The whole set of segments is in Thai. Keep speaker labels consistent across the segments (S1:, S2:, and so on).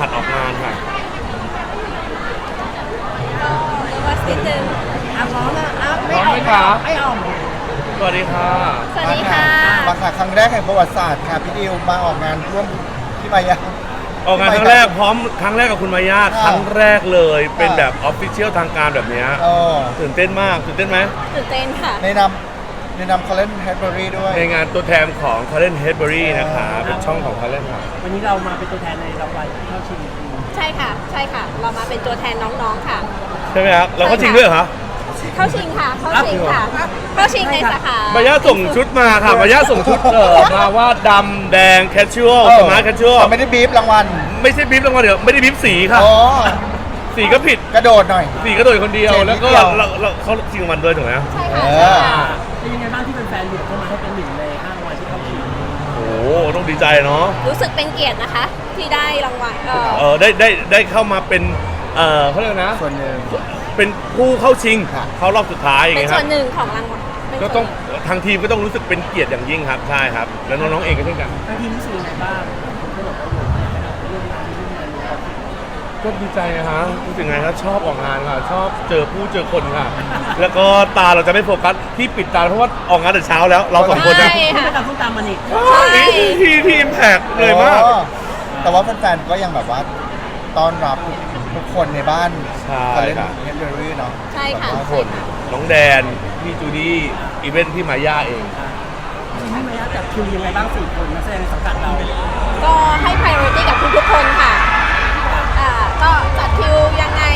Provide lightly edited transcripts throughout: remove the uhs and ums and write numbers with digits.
S1: หัดออกงานค่ะ
S2: ก็นิดนึง
S3: พร้อมนะ
S1: พร้อมไหมคะ
S3: ไม่ออก
S1: สวัสดีค่ะ
S2: สวัสดีค่ะ
S3: มาค่ะครั้งแรกแห่งประวัติศาสตร์ค่ะพี่ดิวมาออกงานร่วมพี่มายา
S1: ออกงานครั้งแรกพร้อมครั้งแรกกับคุณมายาครั้งแรกเลยเป็นแบบออฟฟิเชียลทางการแบบนี้ตื่นเต้นมากตื่นเต้นไหม
S2: ตื่นเต้นค่ะ
S3: ในนำคาร์เรนแฮดเบอรี่ด้วย
S1: ในงานตัวแทนของ Current Hedbury นะคะเป็นช่องของ Current ค่ะ
S4: วันนี้เรามาเป็นตัวแทนในรางวัลเข้าชิง
S2: ใช่ค่ะใช่ค่ะเรามาเป็นตัวแทนน้องๆค่ะ
S1: ใช่ไหมครับเราก็ชิงด้วยเหรอคะ
S2: เข้าชิงค่ะเข้าชิงค่ะเข้าชิงในสาขาม
S1: ายาส่งชุดมาค่ะมายาส่งชุดมาว่าดำแดงแคชชวลสมาร์ทแคชชวล
S3: ไม่ได้บีบรางวัล
S1: ไม่ใช่บีบรางวัลเดี๋ยวไม่ได้บีบสีค่ะสีก็ผิด
S3: กระโดดหน่อย
S1: สีกระโดดคนเดียวแล้วก็เขาชิงรางวัลด้วยถูกไหม
S2: ใช่ค่ะ
S4: เป็นยังไงบ้างที่เป็นแฟนๆเลือกเข้ามาให้เป็นหนึ่งใน5รางวัลที่เข้าชิง
S1: โอ้ต้องดีใจเนาะ
S2: รู้สึกเป็นเกียรตินะคะที่ได้รางวัล
S1: ได้เข้ามาเป็นเขาเรียกนะ
S3: ส่วนหนึ่ง
S1: เป็นผู้เข้าชิงเข้ารอบสุดท้ายอย่าง
S2: เงี้
S1: ยครับ
S2: เป็นส่วนหนึ่งของรางวัล
S1: ก็ต้องทางทีมก็ต้องรู้สึกเป็นเกียรติอย่างยิ่งครับใช่ครับแล้วน้องๆเองก็เช่นกัน
S4: ทางทีมรู้สึกยังไงบ้างผมก็บอกว่าเรื่องงาน
S1: ก็ดีใจนะฮะรู้สึกไงครับชอบออกงานค่ะชอบเจอผู้เจอคนค่ะแล้วก็ตาเราจะไม่โฟกัสที่ปิดตาเพราะว่าออกงานแต่เช้าแล้วเราสองคน
S4: นะไม่ตามต้องตามมันอีก
S1: ที่อิมแพกเลยมาก
S3: แต่ว่าแฟนๆก็ยังแบบว่าต้อนรับทุกคนในบ้าน
S1: คาร์เรน
S3: เฮดเบอรี่เนาะ
S2: ใช่ค่ะ
S1: ทุกคนน้องแดนพี่จูดี้อีเวนท์พี่มาย่าเอง
S4: พี่มายาจับคิวยังไงบ้าง4 คนนักแสดงในสังกัดเรา
S2: ก็ให้ priority กับทุกๆคนค่ะก็จัดคิวยังไง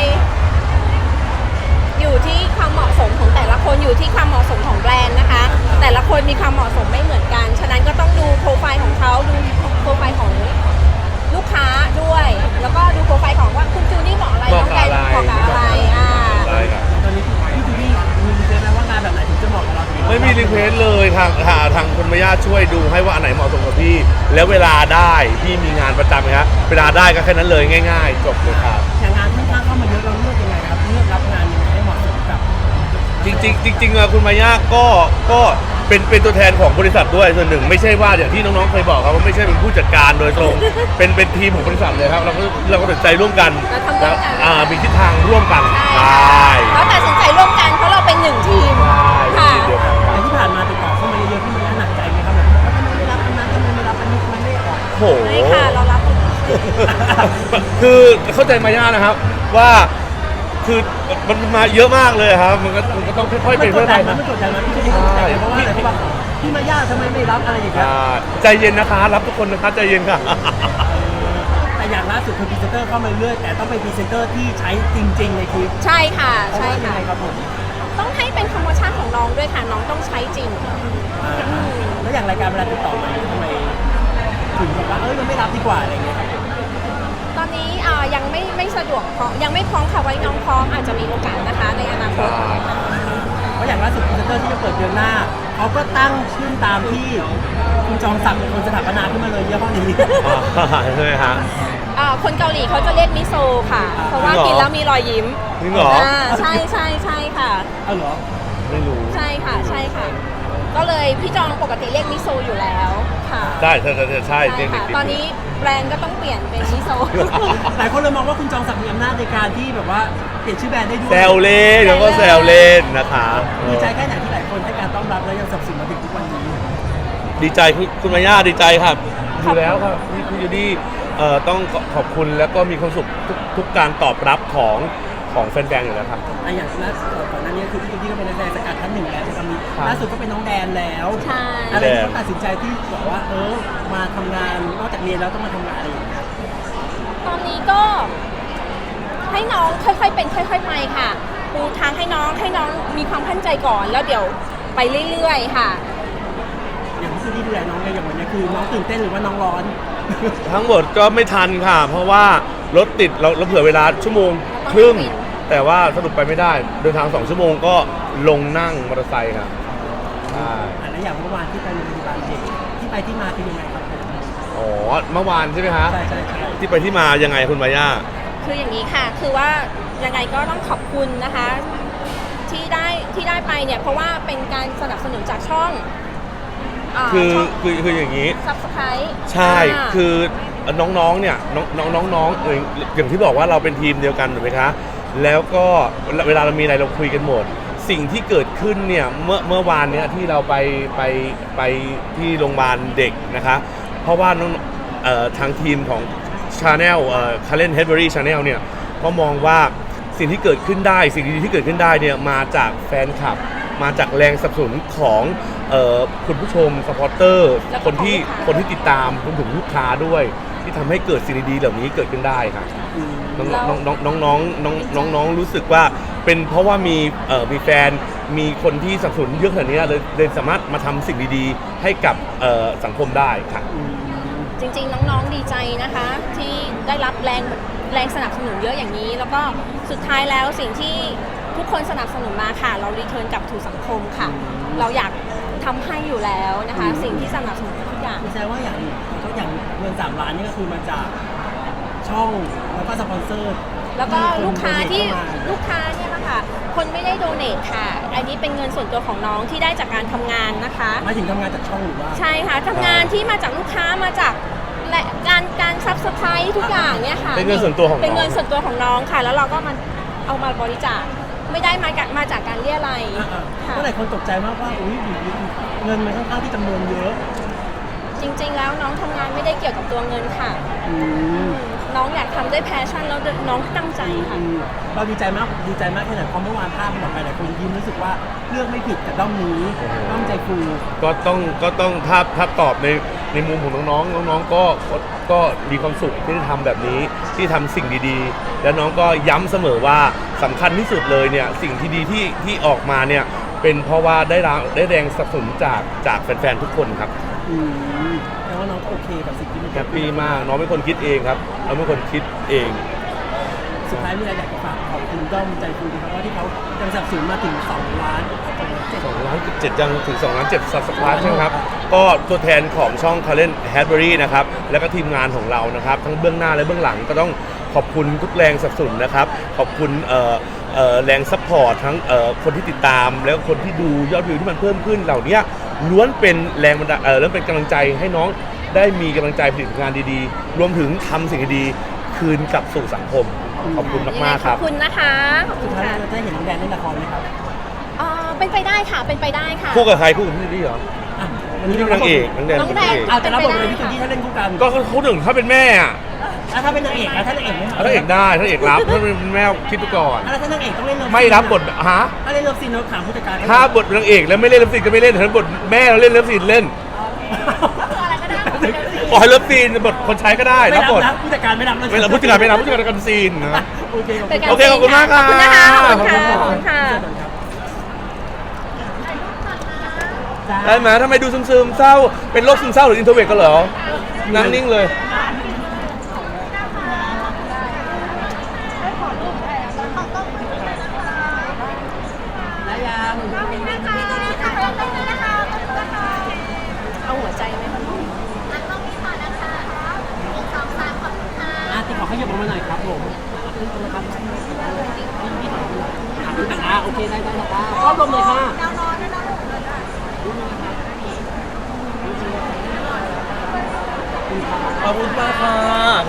S2: อยู่ที่ความเหมาะสมของแต่ละคนอยู่ที่ความเหมาะสมของแบรนด์นะคะแต่ละคนมีความเหมาะสมไม่เหมือนกันฉะนั้นก็ต้องดูโปรไฟล์ของเขาดูโปรไฟล์ของลูกค้าด้วยแล้วก็ดูโปรไฟล์ของว่าคุณจูนี่เหมาะอะไรน้องแดนเหมาะกับอะไร
S1: ใช่ครับ
S4: ตอนนี้พี่จูนี่มีรีเควสต์ไหมว่างานแบบไหนถึงจะเหมาะกับเรา
S1: ไม่มีรีเควสต์เลยทางคุณมาย่าช่วยดูให้ว่าอันไหนเหมาะสมกับพี่แล้วเวลาได้พี่มีงานประจำไหมครับเวลาได้ก็แค่นั้นเลยง่ายๆจบเลยครับ
S4: อย่างงานที่เข้ามาเยอะเราเลือกยังไงครับเลือกรับงานยังไงให้เหมาะสมกับ
S1: จริงคุณมาย่าก็เป็นตัวแทนของบริษัทด้วยส่วนหนึ่งไม่ใช่ว่าอย่างที่น้องๆเคยบอกครับว่าไม่ใช่เป็นผู้จัดการโดยตรงเป็นทีมของบริษัทเลยครับเราก็ตัดใจร่วมกัน
S2: แล้ว
S1: มีทิศทางร่วมกัน
S2: ใช่เราตัดสินใจร่วมกันเพราะเราเป็นหนึ่งทีม
S1: ค่ะ
S4: ที่ผ่านมาติดต่อเข้ามาเยอะๆพี่มันหนักใจไหมครับแบบว่าทำไมไม่รับอันนั้นทำไมไม่รับอันนี้ทำไมไม่ออก
S1: โห
S2: ไม่ค่ะเรารับ
S1: คือเข้าใจมาย่านะครับว่าคือมันมาเยอะมากเลยครับมันก็ต้องค่อยๆไปเรื่อยๆ
S4: นะไม่กดดันนะพี่จะได้เพราะว่าอะไรพี่มาย่าทำไมไม่รับอะไรอย่างเงี้ย
S1: ใจเย็นนะคะรับทุกคนนะคะใจเย็นค่ะ
S4: แต่อย่างล่าสุดคือพรีเซนเตอร์เข้ามาเรื่อยแต่ต้องเป็นพรีเซนเตอร์ที่ใช้จริงๆในคลิป
S2: ใช่ค่ะใช่ค่ะ
S4: ครับผม
S2: ต้องให้เป็นธรรมชาติของน้องด้วยค่ะน้องต้องใช้จริง
S4: แล้วอย่างรายการเวลาติดต่อมาทำไมถึงบอกว่ายังไม่รับดีกว่าอะไรเงี้ยครับ
S2: ตอนนี้ยังไม่สะดวกยังไม่พร้อมค่ะไว้น้องพร้อมอาจจะมีโอกาสนะคะในอนาคต
S4: เพราะอย่างล่าสุดพรีเซนเตอร์ที่จะเปิดเดือนหน้าเขาก็ตั้งชื่อตามที่คุณจองศักดิ์เป็นคนสถาปนาขึ้นมาเลยยี่ห้อนี้
S1: ใช่ไหมฮะ
S2: คนเกาหลีเขาจะเรียกมิโซค่ะเพราะว่ากินแล้วมีรอยยิ้ม
S1: จริงเหรอ
S2: ใช่ค่ะ
S4: เหรอ
S1: ไม่รู้
S2: ใช่ค่ะก็เลยพี่จองปกติเรียกมิโซอยู่แล้วค่ะ
S1: ใช่
S2: ค่ะตอนนี้แบรนด์ก็ต้องเปลี่ยนเป็นมิโซ
S4: หลายคนเลยมองว่าคุณจองศักดิ์มีอำนาจในการที่แบบว่าเปลี่ยนชื่อแบรนด์ได้ด้วย
S1: แซวเล่นแล้วก็แซวเล่นนะคะ
S4: ดีใจแค่ไหนที่หลายคนให้การต้อนรับและยังสนับสนุนมาถึงทุกวันนี้
S1: ดีใจคุณมาย่าดีใจครับอยู่แล้วครับพี่ยูดี้ต้องขอบคุณแล้วก็มีความสุขทุกการตอบรับของแฟนๆอยู่แล้วครับ
S4: อย่างก่อนหน้านี้คือพี่ยูดี้ก็เป็นนักแสดงสังกัดท่านหนึ่งแล้วจะมีล่าสุดก็เป็นน้องแดนแล้วอะไรที่เขาตัดสินใจที่บอกว่ามาทำงานนอกจากเรียนแล้วต้องมาทำงานอะไรอย่างเงี้ย
S2: ตอนนี้ก็ให้น้องค่อยๆเป็นค่อยๆไปค่ะปูทางให้น้องมีความมั่นใจก่อนแล้วเดี๋ยวไปเรื่อยๆค่ะ
S4: อย่างที่ดูแลน้องอย่างวันนี้คือน้องตื่นเต้นหรือว่าน้องร้อน
S1: ทั้งหมดก็ไม่ทันค่ะเพราะว่ารถติดเราเผื่อเวลาชั่วโมงครึ่งแต่ว่าสรุปไปไม่ได้เดินทาง2 ชั่วโมงก็ลงนั่งมอเตอร์ไซค์ครับ
S4: แล้วอย่างเมื่อวานที่ไปโรงพยาบาลเด็กที่ไปที่มาเป็นยังไงครับ
S1: อ๋อเมื่อวานใช่ไหมคะ
S4: ใช่
S1: ที่ไปที่มายังไงคุณมาย่า
S2: คืออย่างนี้ค่ะคือว่ายังไงก็ต้องขอบคุณนะคะที่ได้ไปเนี่ยเพราะว่าเป็นการสนับสนุนจากช่อง
S1: คืออย่างนี้
S2: Subscribe
S1: ใช่คือน้องๆเนี่ยน้องอย่างที่บอกว่าเราเป็นทีมเดียวกันถูกไหมคะแล้วก็เวลาเรามีอะไรเราคุยกันหมด สิ่งที่เกิดขึ้นเนี่ยเมื่อวานเนี้ยที่เราไปที่โรงพยาบาลเด็กนะคะเพราะว่าทางทีมของ Channel Karen Hedberry Channel เนี่ยก็มองว่าสิ่งที่เกิดขึ้นได้สิ่งดีๆที่เกิดขึ้นได้เนี่ยมาจากแฟนคลับมาจากแรงสนับสนุนของคุณผู้ชมสปอร์เตอร์คนที่ติดตามรวมถึงลูกค้าด้วยที่ทำให้เกิดสิ่งดีๆเหล่านี้เกิดขึ้นได้ค่ะน้องรู้สึกว่าเป็นเพราะว่ามีแฟนมีคนที่สนับสนุนเยอะขนาดนี้เลยสามารถมาทำสิ่งดีๆให้กับสังคมได้ค่ะ
S2: จริงๆน้องๆดีใจนะคะที่ได้รับแรงสนับสนุนเยอะอย่างนี้ แล้วก็สุดท้ายแล้วสิ่งที่ทุกคนสนับสนุนมาค่ะเรารีเทิร์นกลับถูสังคมค่ะเราอยากทำให้อยู่แล้วนะคะสิ่งที่สนับสนุนทุกอย่าง
S4: แสดงว่าอย่างเงิน3 ล้านนี่ก็คือมาจากช่องแล้วก็สปอนเซอร์
S2: แล้วก็ลูกค้าเนี่ยนะคะคนไม่ได้โดเนทค่ะอันนี้เป็นเงินส่วนตัวของน้องที่ได้จากการทำงานนะคะ
S4: มาถึงทำงานจากช่องหรือว่า
S2: ใช่ค่ะทำงานที่มาจากลูกค้ามาจากและการซับสไครต์ทุกอย่างเนี่ยค่ะ
S1: เป็นเงินส่วนตัวของน้อง
S2: เป็นเงินส่วนตัวของน้องค่ะแล้วเราก็มันเอามาบริจาคไม่ได้มาจากการเรียอะไร
S4: ค่ะก็หลายคนตกใจมากว่าอุ้ยเงินมันค่อนข้างที่จำนวนเยอะ
S2: จริงๆแล้วน้องทำงานไม่ได้เกี่ยวกับตัวเงินค่ะน้องอยากทำด้วยแพชชั่นแล้วน้องตั้งใจค่ะ
S4: เราดีใจมากแค่ไหนเพราะเมื่อวานภาพมันออกไปหลายคนยิ้มรู้สึกว่าเลือกไม่ผิดกับด้อมนี้ด้อมใจฟู
S1: ก็ต้องถ้าตอบในมุมของน้องก็มีความสุขที่ได้ทำแบบนี้ที่ทำสิ่งดีๆแล้วน้องก็ย้ำเสมอว่าสำคัญที่สุดเลยเนี่ยสิ่งที่ดีที่ออกมาเนี่ยเป็นเพราะว่าได้แรงสนับสนุนจากแฟนๆทุกคนครับ
S4: แต่ว่าน้องก็โอเคกับสิ่งที่มัน
S1: แฮปปี้มากน้องเป็นคนคิดเองครับเราเป็นคนคิดเอง
S4: สุดท้ายมีอะไรอยากจะฝากขอบคุณด้อมใจฟูนะครับว่าที่เขายังสนับสนุนมาถึง2 ล้าน
S1: 7ยังถึง2 ล้าน7 Subscribe ใช่ไหมครับก็ตัวแทนของช่อง Karen Hedberry นะครับแล้วก็ทีมงานของเรานะครับทั้งเบื้องหน้าและเบื้องหลังก็ต้องขอบคุณทุกแรงสนับสนุนนะครับขอบคุณแรงซัพพอร์ตทั้งคนที่ติดตามแล้วคนที่ดูยอดวิวที่มันเพิ่มขึ้นเหล่านี้ล้วนเป็นแรงบันดาลแล้วเป็นกำลังใจให้น้องได้มีกำลังใจผลิตงานดีๆรวมถึงทำสิ่งดีๆคืนกลับสู่สังคมขอบคุณมากๆครับ
S2: ขอบคุณนะคะ
S4: สุดท้ายเราจะเห็นน้องแดนเล่นละครไหมครับ
S2: เป็นไปได้ค่ะเป็นไปได้ค่ะ
S1: คู่กับใครคู่กับพี่จูดี้เหรอ
S4: วันนี้
S1: นางเอกน้องแดน
S4: แต่เราบอกเลยพี่จูดี้ถ้าเล่นคู่กัน
S1: ก็เขาถึงถ้าเป็นแม่อะ
S4: ถ้าเป็นนางเอกนะถ้านางเอกไม่
S1: ถ้าเอกได้ถ้าเอกรับถ้าเป็นแม่คิดดูก่อน
S4: ถ้านางเอกต้องเล่น
S1: ไม่รับบทฮะ
S4: ถ้าเล่นเลิฟซีนเราถามผู้จัดการ
S1: ถ้าบทนางเอกแล้วไม่เล่นเลิฟซีนก็ไม่เล่นถ้าบทแม่เราเล่นเลิฟซีนเล่นขอให้เลิฟซีนบทคนใช้ก็ได้รับบท
S4: ผู้จัดการไม่รับ
S1: ไม่รับผู้จัดการไม่รับผู้จัดการกันซีนนะ
S4: โอเค
S1: ขอบคุณมากค่ะ
S2: ขอบคุณค่ะ
S1: ได้ไหมทำไมดูซึมๆเศร้าเป็นโรคซึมเศร้าหรืออินโทรเวิร์ตกันเหรอนั่งนิ่งเลย
S2: เอาหัวใจไหมคะ
S4: ติดขอขยับมาหน่อยครับผมนะครับโอเคได้ครับรอบลมเลยค่ะ
S1: ขอบคุณมากค่ะ